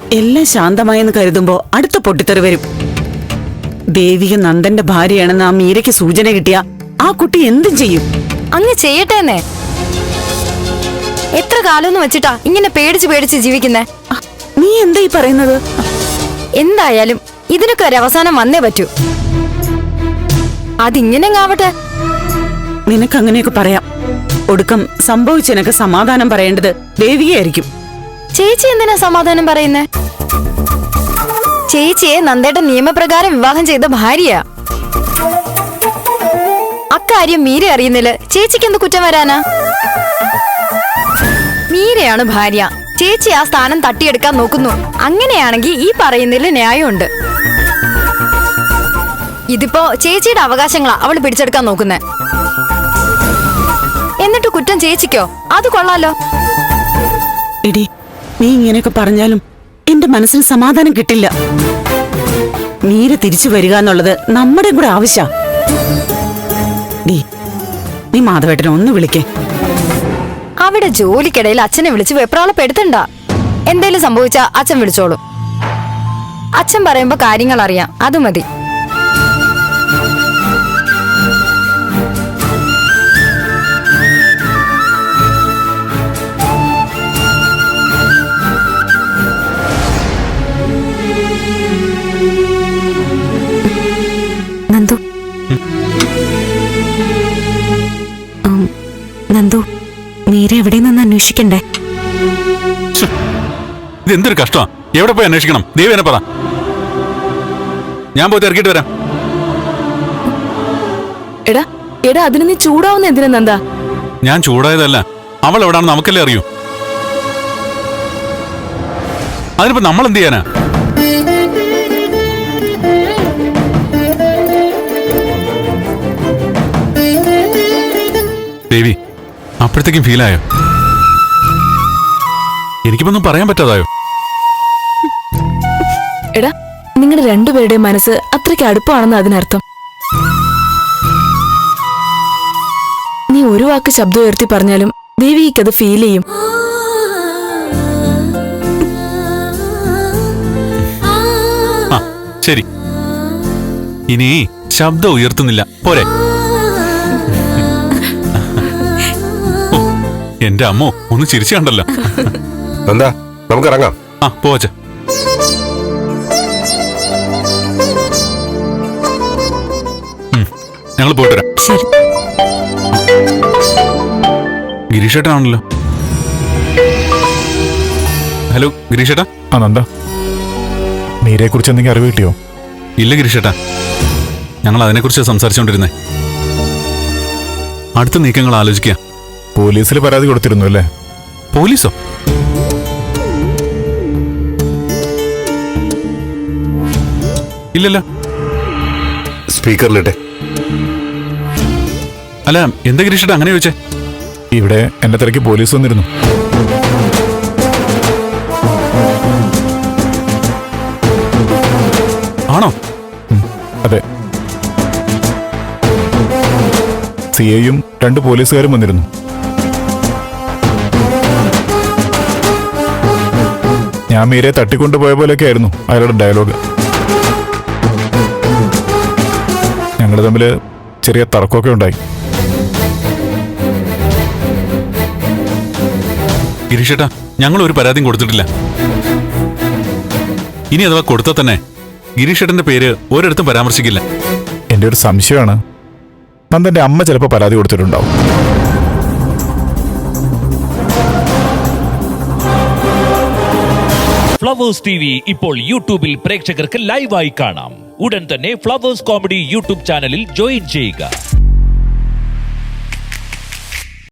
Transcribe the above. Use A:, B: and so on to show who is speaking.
A: എല്ലാം ശാന്തമായെന്ന് കരുതുമ്പോ അടുത്ത പൊട്ടിത്തെറി വരും. ദേവിക നന്ദന്റെ ഭാര്യയാണെന്ന് ആ മീരയ്ക്ക് സൂചന കിട്ടിയ ആ കുട്ടി എന്തും ചെയ്യും.
B: അങ്ങ് ചെയ്യട്ടേന്നേ. എത്ര കാലം വെച്ചിട്ടാ ഇങ്ങനെ പേടിച്ച് പേടിച്ച് ജീവിക്കുന്നേ?
A: നീ എന്താ ഈ പറയുന്നത്?
B: എന്തായാലും ഇതിനൊക്കെ ഒരു അവസാനം വന്നേ പറ്റൂ. അതിങ്ങനെ ആവട്ടെ.
A: നിനക്ക് അങ്ങനെയൊക്കെ പറയാം. ഒടുക്കം സംഭവിച്ചതിനൊക്കെ സമാധാനം പറയേണ്ടത് ദേവികയായിരിക്കും.
B: ചേച്ചി എന്തിനാ സമാധാനം പറയുന്നേ? ചേച്ചിയെ നന്ദേട്ടൻ നിയമപ്രകാരം വിവാഹം ചെയ്ത ഭാര്യയാ. അക്കാര്യം മീര അറിയുന്നില്ല. ചേച്ചിക്ക് എന്ത് കുറ്റം വരാനാ? മീരയാണ് ഭാര്യ. ചേച്ചി ആ സ്ഥാനം തട്ടിയെടുക്കാൻ നോക്കുന്നു. അങ്ങനെയാണെങ്കിൽ ഈ പറയുന്നതിൽ ന്യായമുണ്ട്. ഇതിപ്പോ ചേച്ചിയുടെ അവകാശങ്ങളാ അവള് പിടിച്ചെടുക്കാൻ നോക്കുന്നേ. എന്നിട്ട് കുറ്റം ചേച്ചിക്കോ? അത് കൊള്ളാലോ.
A: എടി, നീ ഇങ്ങനെയൊക്കെ പറഞ്ഞാലും എന്റെ മനസ്സിന് സമാധാനം കിട്ടില്ല. മീര തിരിച്ചു വരിക എന്നുള്ളത് നമ്മുടെ കൂടെ ആവശ്യ. നീ മാധവേട്ടനെ ഒന്ന് വിളിക്കേ.
B: അവിടെ ജോലിക്കിടയിൽ അച്ഛനെ വിളിച്ച് വെപ്രാളപ്പെടുത്തണ്ട. എന്തേലും സംഭവിച്ചാ അച്ഛൻ വിളിച്ചോളും. അച്ഛൻ പറയുമ്പോ കാര്യങ്ങൾ അറിയാം, അത് മതി.
C: നന്ദു, നന്ദു, മീര എവിടെ നിന്ന് അന്വേഷിക്കണ്ടേ?
D: ഇതെന്തൊരു കഷ്ടമാ. എവിടെ പോയി അന്വേഷിക്കണം? ദേവി പറ, ഞാൻ പോയി തിരക്കിട്ട് വരാം.
C: എടാ എടാ അതിന് നീ ചൂടാവുന്ന എന്തിനാ നന്ദ?
D: ഞാൻ ചൂടായതല്ല, അവൾ എവിടാണെന്ന് നമുക്കല്ലേ അറിയൂ. അതിനിപ്പോ നമ്മൾ എന്ത് ചെയ്യാനാ? ദേവി, അപ്പോഴത്തേക്കും ഫീലായോ? എനിക്കിപ്പൊന്നും പറയാൻ പറ്റാതായോ?
C: എടാ, നിങ്ങളുടെ രണ്ടുപേരുടെ മനസ്സ് അത്രയ്ക്ക് അടുപ്പമാണെന്ന് അതിനർത്ഥം. നീ ഒരു വാക്ക് ശബ്ദം ഉയർത്തി പറഞ്ഞാലും ദേവിക്കത് ഫീൽ ചെയ്യും.
D: ശരി, ഇനി ശബ്ദം ഉയർത്തുന്നില്ല, പോരെ? എന്റെ അമ്മോ, ഒന്ന് ചിരിച്ചു കണ്ടല്ലോ.
E: എന്താ, നമുക്ക് ഇറങ്ങാം.
D: ആ, പോവച്ച. ഞങ്ങൾ പോയിട്ട് വരാം.
C: ശരി.
D: ഗിരീഷേട്ടനാണല്ലോ. ഹലോ ഗിരീഷേട്ടാ.
F: ആ നന്ദ, മീരയെ കുറിച്ച് എന്തെങ്കിലും അറിവ് കിട്ടിയോ?
D: ഇല്ല ഗിരീഷേട്ടാ, ഞങ്ങൾ അതിനെക്കുറിച്ച് സംസാരിച്ചുകൊണ്ടിരുന്നേ. അടുത്ത നീക്കങ്ങൾ ആലോചിക്കുക.
F: പോലീസിൽ പരാതി കൊടുത്തിരുന്നു അല്ലേ?
D: പോലീസോ? ഇല്ലല്ലോ.
E: സ്പീക്കറിലിട്ടെ.
D: അല്ല, എന്താ ഗിരീഷേട്ടാ അങ്ങനെ ചോദിച്ചേ?
F: ഇവിടെ എന്നെ തിരക്ക് പോലീസ് വന്നിരുന്നു.
D: ആണോ?
F: അതെ, സിഐയും 2 പോലീസുകാരും വന്നിരുന്നു. ഞാൻ മീരയെ തട്ടിക്കൊണ്ടുപോയ പോലെയൊക്കെ ആയിരുന്നു അയാളുടെ ഡയലോഗ്. ഞങ്ങൾ തമ്മിൽ ചെറിയ തർക്കമൊക്കെ ഉണ്ടായി.
D: ഗിരീഷേട്ടാ, ഞങ്ങൾ ഒരു പരാതിയും കൊടുത്തിട്ടില്ല. ഇനി അഥവാ കൊടുത്താൽ തന്നെ ഗിരീഷേട്ടന്റെ പേര് ഒരിടത്തും പരാമർശിക്കില്ല.
F: എൻ്റെ ഒരു സംശയമാണ്, നന്ദന്റെ അമ്മ ചിലപ്പോൾ പരാതി കൊടുത്തിട്ടുണ്ടാവും.
G: ഫ്ലവേഴ്സ് TV ഇപ്പോൾ യൂട്യൂബിൽ പ്രേക്ഷകർക്ക് ലൈവായി കാണാം. ഉടൻ തന്നെ ഫ്ലവേഴ്സ് കോമഡി യൂട്യൂബ് ചാനലിൽ ജോയിൻ ചെയ്യുക.